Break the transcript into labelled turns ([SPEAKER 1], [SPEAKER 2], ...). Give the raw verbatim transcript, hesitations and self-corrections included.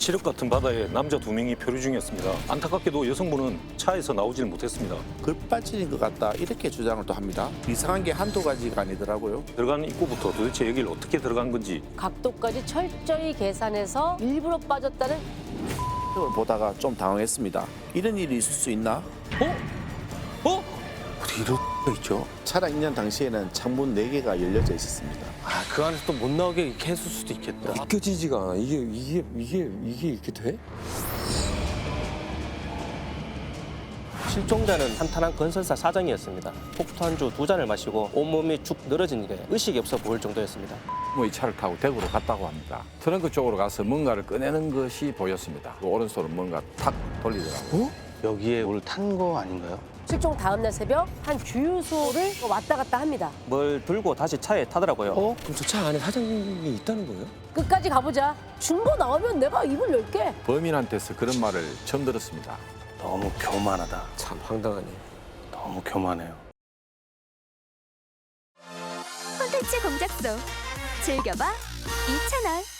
[SPEAKER 1] 칠흑 같은 바다에 남자 두 명이 표류 중이었습니다. 안타깝게도 여성분은 차에서 나오질 못했습니다.
[SPEAKER 2] 글빠지는 것 같다 이렇게 주장을 또 합니다. 이상한 게 한두 가지가 아니더라고요.
[SPEAKER 1] 들어가는 입구부터 도대체 여기를 어떻게 들어간 건지
[SPEAKER 3] 각도까지 철저히 계산해서 일부러 빠졌다는
[SPEAKER 2] 이걸 보다가 좀 당황했습니다. 이런 일이 있을 수 있나?
[SPEAKER 1] 어? 어?
[SPEAKER 4] 어떻게 이럴 수가 있죠?
[SPEAKER 2] 차량 있는 당시에는 창문 네 개가 열려져 있었습니다.
[SPEAKER 4] 아, 그 안에서 또 못 나오게 이렇게 했을 수도 있겠다.
[SPEAKER 5] 믿겨지지가 않아. 이게 이게 이게 이게 이렇게 돼?
[SPEAKER 6] 실종자는 탄탄한 건설사 사장이었습니다. 폭투 한 주 두 잔을 마시고 온몸이 축 늘어진 게 의식이 없어 보일 정도였습니다.
[SPEAKER 7] 뭐 이 차를 타고 대구로 갔다고 합니다. 트렁크 쪽으로 가서 뭔가를 꺼내는 것이 보였습니다. 그 오른손은 뭔가 탁 돌리더라고요.
[SPEAKER 4] 여기에 오늘 탄 거 아닌가요?
[SPEAKER 3] 실종 다음 날 새벽 한 주유소를 왔다 갔다 합니다.
[SPEAKER 6] 뭘 들고 다시 차에 타더라고요.
[SPEAKER 5] 어? 그럼 저 차 안에 사장님이 있다는 거예요?
[SPEAKER 3] 끝까지 가보자. 중고 나오면 내가 입을 열게.
[SPEAKER 7] 범인한테서 그런 말을 처음 들었습니다.
[SPEAKER 4] 너무 교만하다.
[SPEAKER 5] 참 황당하네.
[SPEAKER 4] 너무 교만해요.
[SPEAKER 8] 콘텐츠 공작소 즐겨봐 이 채널.